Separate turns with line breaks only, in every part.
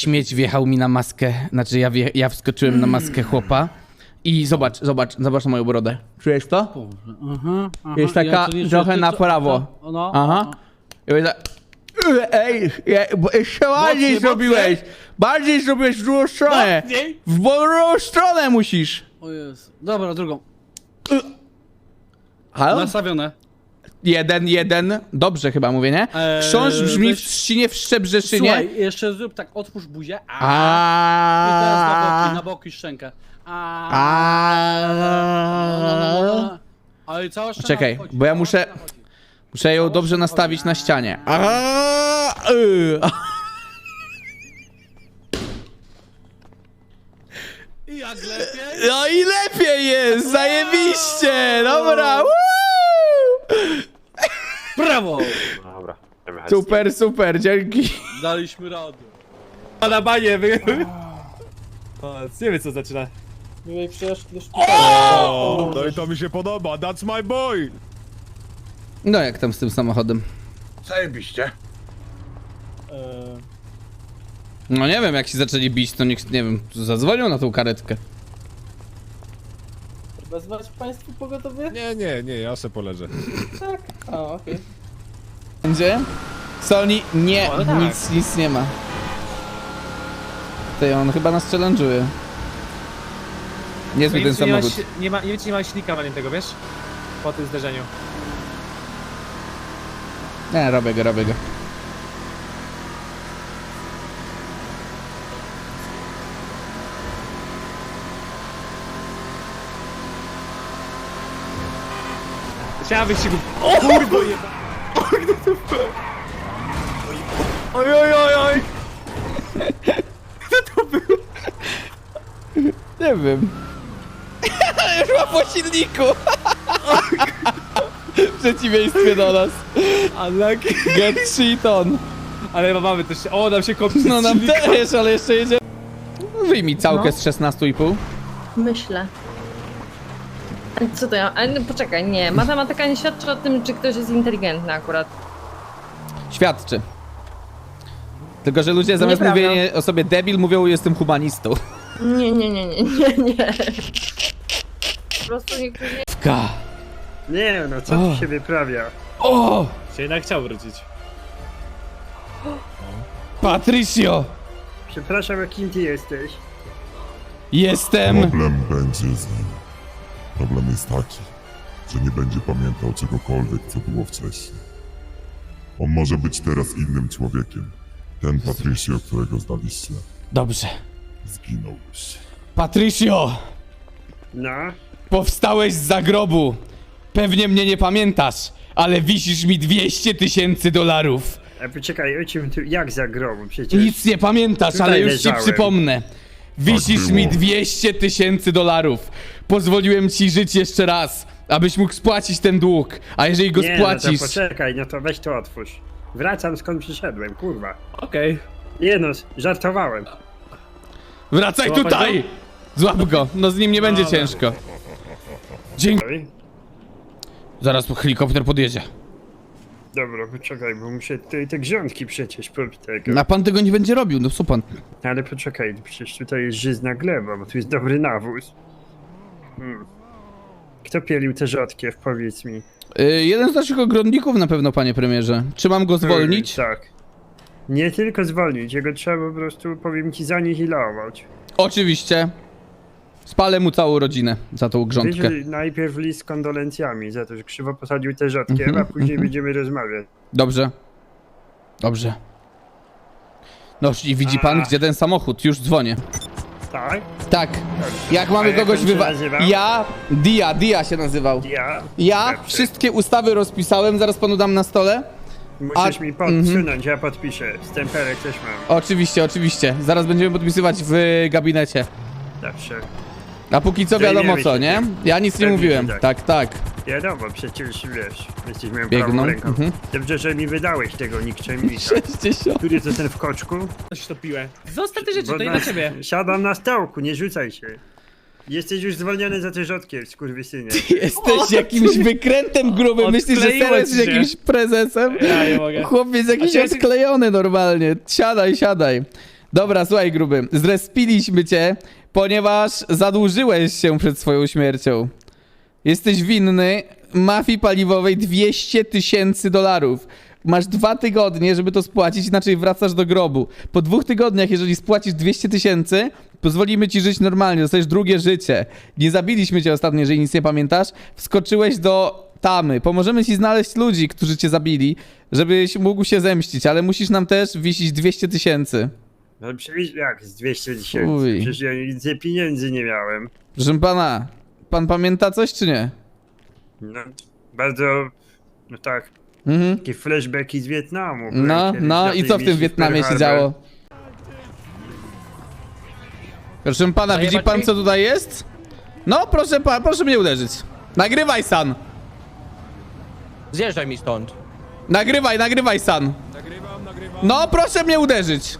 śmieć wjechał mi na maskę, znaczy ja wskoczyłem na maskę chłopa i zobacz na moją brodę. Czujesz to?
Aha.
Jest taka trochę na prawo.
No.
Aha. I mówię tak, ej, bo jeszcze bardziej zrobiłeś. Bardziej zrobiłeś w drugą stronę.
Mocniej.
W drugą stronę musisz.
O Jezu. Dobra, drugą.
Halo?
Nastawione.
1-1. Dobrze chyba mówię, nie? Chrząszcz brzmi w
weź-
trzcinie, w Szczebrzeszynie.
Słuchaj, jeszcze zrób tak, otwórz buzię. I teraz na boki szczękę. Ale cała szczęka
Czekaj,
wchodzi,
bo ja
cała
muszę-
szczęka wchodzi.
Muszę ją dobrze nastawić na ścianie.
I jak lepiej?
No i lepiej jest! Zajebiście! Dobra! Woo!
Brawo!
Dobra, będziemy jechać.
Super, super, dzięki.
Daliśmy radę.
A na banie, O, nie wiem co zaczyna.
Miłej przyjaźni.
O, no i to mi się podoba, that's my boy!
No jak tam z tym samochodem?
Zajebiście.
No nie wiem, jak się zaczęli bić, to nikt, nie wiem, zadzwonił na tą karetkę.
Wezwać państwu pogotowie?
Nie, ja se poleżę.
Tak. A, okej.
Będzie? Sony, nie,
O, no tak.
nic nie ma. Ty, on chyba nas challenge'uje. Niezły ten samochód.
Nie wiem, czy nie ma silnika na nim tego, wiesz? Po tym zderzeniu.
Nie, robię go.
Chciałem wyścigu. O kurwa jeba!
Oj!
Nie wiem. Już ma po silniku. W przeciwieństwie do nas.
Unlucky.
Get shit on.
Ale mamy też. O, nam się kopie.
No nam też, ale jeszcze jedzie. Wyjmij całkę z 16,5.
Myślę. A co to ja? Ale no, poczekaj, nie. Matematyka nie świadczy o tym, czy ktoś jest inteligentny akurat.
Świadczy. Tylko, że ludzie zamiast
Nieprawda.
mówienia o sobie debil, mówią jestem humanistą.
Nie. Po prostu niektórzy...
Ka.
Nie no, co tu się wyprawia?
O!
Się jednak chciał wrócić.
Patricio!
Przepraszam, a kim ty jesteś?
Jestem...
Problem będzie z nim. Problem jest taki, że nie będzie pamiętał czegokolwiek, co było wcześniej. On może być teraz innym człowiekiem. Ten Patricio, którego znaliście,
Dobrze.
zginął już.
Patricio!
No?
Powstałeś z zagrobu. Pewnie mnie nie pamiętasz, ale wisisz mi $200,000.
A poczekaj, o czym tu, jak za grobu przecież?
Nic nie pamiętasz,
Tutaj
ale już ci
leżałem.
przypomnę. Wisisz
było.
mi $200,000. Pozwoliłem ci żyć jeszcze raz, abyś mógł spłacić ten dług. A jeżeli go
Nie,
spłacisz...
no to poczekaj, no to weź to otwórz. Wracam skąd przyszedłem, kurwa.
Okej.
Nie no, żartowałem.
Wracaj
Złapać
tutaj!
go?
Złap go, no z nim nie będzie
Dobra.
ciężko. Dzięki.
Oj,
Zaraz helikopter podjedzie.
dobra, poczekaj, bo muszę tutaj te grządki przecież pobić tego.
A pan tego nie będzie robił, no co pan?
Ale poczekaj, przecież tutaj jest żyzna gleba, bo tu jest dobry nawóz. Kto pielił te rzodkiew, powiedz mi?
Jeden z naszych ogrodników na pewno, panie premierze. Czy mam go zwolnić?
Tak. Nie tylko zwolnić, jego trzeba po prostu, powiem ci, zanihilować.
Oczywiście. Spalę mu całą rodzinę za tą grządkę.
Wiesz, najpierw list z kondolencjami za to, że krzywo posadził te rzodkiew, a później będziemy rozmawiać.
Dobrze. Dobrze. No i widzi pan, gdzie ten samochód? Już dzwonię.
Tak?
Tak. Jak mamy
jak
kogoś
on się
wywa...
nazywał?
Ja... Dia się nazywał. Ja
Dobrze.
wszystkie ustawy rozpisałem, zaraz panu dam na stole.
Musisz
A-
mi podsunąć, ja podpiszę. Stemperek też mam.
Oczywiście. Zaraz będziemy podpisywać w gabinecie.
Dobrze.
A póki co
Zajmiemy
wiadomo
się
co, nie?
tym.
Ja nic nie
Pewnie,
mówiłem.
że
Tak.
Wiadomo, przecież wiesz, jesteś moją
Biegną,
prawą ręką.
mhm.
Dobrze, że mi wydałeś tego nikczemnika.
60.
Który to ten w koczku?
Coś topiłem. Zostaw te rzeczy,
Bo
to nie dla ciebie.
Siadam na stołku, nie rzucaj się. Jesteś już zwolniony za te rzodkiew, skurwysynie.
Jesteś jakimś wykrętem grubym. Myślisz, że
Odkleiło
teraz
ci
jesteś
się.
jakimś prezesem?
Ja nie mogę.
Chłopiec jakiś
A czy-
odklejony normalnie. Siadaj. Dobra, słuchaj, gruby. Zrespiliśmy cię, ponieważ zadłużyłeś się przed swoją śmiercią. Jesteś winny mafii paliwowej $200,000. Masz 2 tygodnie, żeby to spłacić, inaczej wracasz do grobu. Po 2 tygodniach, jeżeli spłacisz 200,000, pozwolimy ci żyć normalnie, dostajesz drugie życie. Nie zabiliśmy cię ostatnio, jeżeli nic nie pamiętasz. Wskoczyłeś do tamy. Pomożemy ci znaleźć ludzi, którzy cię zabili, żebyś mógł się zemścić, ale musisz nam też wisić 200,000.
No przecież jak z 200
Uj.
tysięcy? Przecież ja więcej pieniędzy nie miałem.
Proszę pana, pan pamięta coś czy nie?
No, bardzo, no tak,
Mhm.
takie flashbacki z Wietnamu.
No,
Byłem kiedyś
no
na
i
tej
co w tym
misji
Wietnamie
Pearl
się
Harbor.
działo? Proszę pana, widzi pan co tutaj jest? No, proszę mnie uderzyć. Nagrywaj, San.
Zjeżdżaj mi stąd.
Nagrywaj, San. No, proszę mnie uderzyć.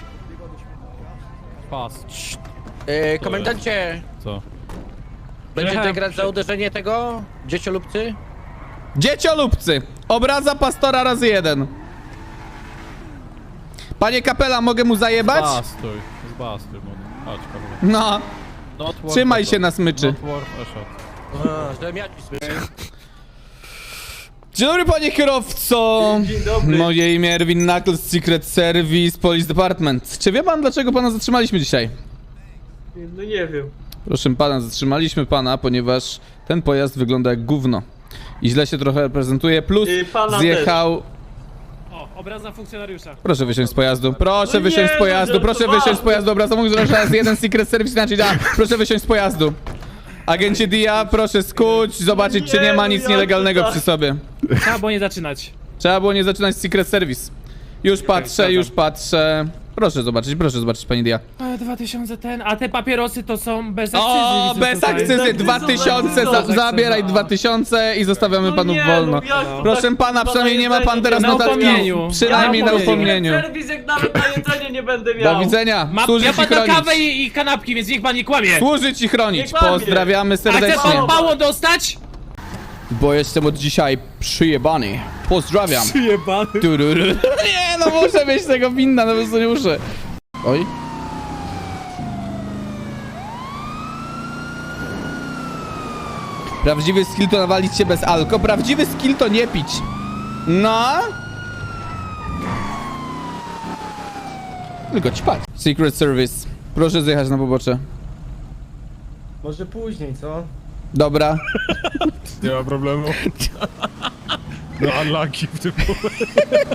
Pas.
Komendancie!
Co?
Będziecie grać za uderzenie tego? Dzieciolubcy?
Dzieciolubcy. Obraza pastora razy 1. Panie kapela, mogę mu zajebać?
Zbastuj, młody. Chodź, Paweł.
No,
Not worth
trzymaj
a
się
shot.
na smyczy.
Not worth a shot.
Że miać smyczy.
Dzień dobry, panie kierowco.
Dzień dobry.
Moje imię Erwin Knuckles, Secret Service, Police Department. Czy wie pan, dlaczego pana zatrzymaliśmy dzisiaj?
No nie wiem.
Proszę pana, zatrzymaliśmy pana, ponieważ ten pojazd wygląda jak gówno. I źle się trochę prezentuje, plus
Pana
zjechał...
O, obraza funkcjonariusza.
Proszę wysiąść z pojazdu, proszę
No
wysiąść
nie,
z pojazdu,
no
proszę
żartowałem.
wysiąść z pojazdu, obraza funkcjonariusza raz 1, Secret Service inaczej da. Proszę wysiąść z pojazdu. Agencie Dia, proszę skuć, zobaczyć czy nie ma nic
jak
nielegalnego
to tak?
przy sobie.
Trzeba było nie zaczynać.
Trzeba było nie zaczynać z Secret Service. Już patrzę. Proszę zobaczyć, pani Dia.
2000 a te papierosy to są bez akcyzy.
O,
widzę
bez
tutaj.
akcyzy, 2000, zabieraj 2000 i zostawiamy
No
panów
nie,
wolno.
no jak to
Proszę
tak
pana, przynajmniej nie ma pan teraz
Na
notatki.
upomnieniu.
Przynajmniej na upomnieniu.
Serwis jak nawet na jedzenie nie będę miał.
Do widzenia,
Ja
służy ci
pan na kawę
chronić.
i kanapki, więc niech pan nie kłamie.
Służy ci chronić,
Nie kłamie.
pozdrawiamy
A chce
serdecznie.
pan mało dostać?
Bo jestem od dzisiaj przyjebany. Pozdrawiam.
Jebany.
Tururu. Nie, no muszę mieć tego winna, no po prostu nie muszę. Oj. Prawdziwy skill to nawalić się bez alko, prawdziwy skill to nie pić. No. Tylko ćpać. Secret Service. Proszę zjechać na pobocze.
Może później, co?
Dobra.
Nie ma problemu. No unlucky w tym momencie.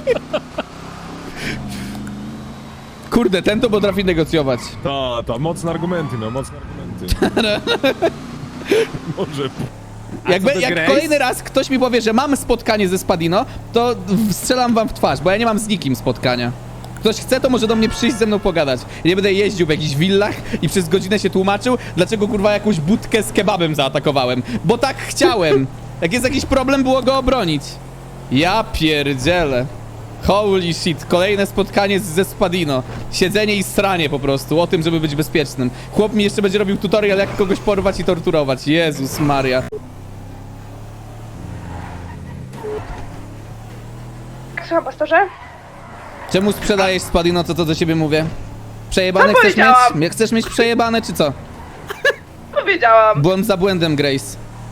Kurde, ten to potrafi negocjować.
Ta, mocne argumenty, no, mocne argumenty. Może...
Jak
Grace?
kolejny raz ktoś mi powie, że mam spotkanie ze Spadino, to strzelam wam w twarz, bo ja nie mam z nikim spotkania. Ktoś chce, to może do mnie przyjść ze mną pogadać. Ja nie będę jeździł w jakichś willach i przez godzinę się tłumaczył, dlaczego kurwa jakąś budkę z kebabem zaatakowałem. Bo tak chciałem. Jak jest jakiś problem, było go obronić. Ja pierdzielę. Holy shit, kolejne spotkanie ze Spadino. Siedzenie i stranie po prostu, o tym, żeby być bezpiecznym. Chłop mi jeszcze będzie robił tutorial, jak kogoś porwać i torturować. Jezus Maria.
Słucham, pastorze?
Czemu sprzedajesz Spadino, co to do ciebie mówię? Przejebane
Co
chcesz
powiedziałam?
mieć? Chcesz mieć przejebane, czy co?
Powiedziałam.
Błąd za błędem, Grace.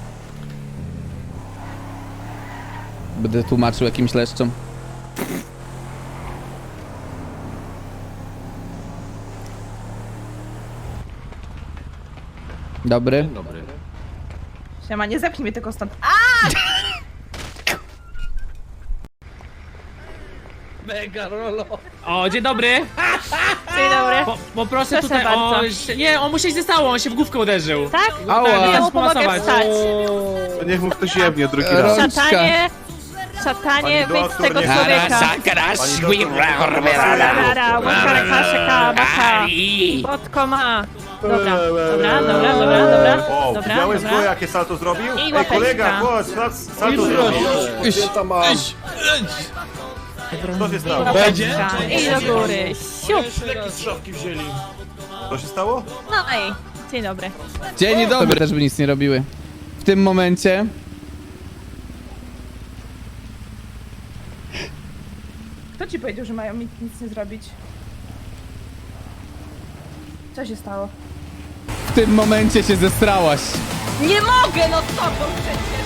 Będę tłumaczył jakimś leszczom. Dobry.
Siema, nie zepchnij mnie tylko stąd.
Mega rolo.
O, dzień dobry.
Dzień dobry.
Poproszę
Proszę
tutaj o...
bardzo.
Nie, on mu się nie stało, on się w główkę uderzył.
Tak?
Ała.
Ja mu
pomogę
pomogę wstać.
Niech mu ktoś jebnie drugi
Rączka.
Szatanie, wyjdź z tego
nie.
człowieka. Rara, łyka, kaszeka, maka. Botko ma. Dobra.
O,
Dobra,
widziałeś
dobra.
go, jakie salto zrobił?
I
Ej,
łapeczka.
kolega, chodź, salto zrobił. Co się stało?
Łapeczka. I do góry. Siup.
Co się stało?
No i dzień dobry.
Dzień dobry. Też by nic nie robiły. W tym momencie...
Kto ci powiedział, że mają mi nic nie zrobić? Co się stało?
W tym momencie się zestrałaś.
Nie mogę, no z tobą przecież!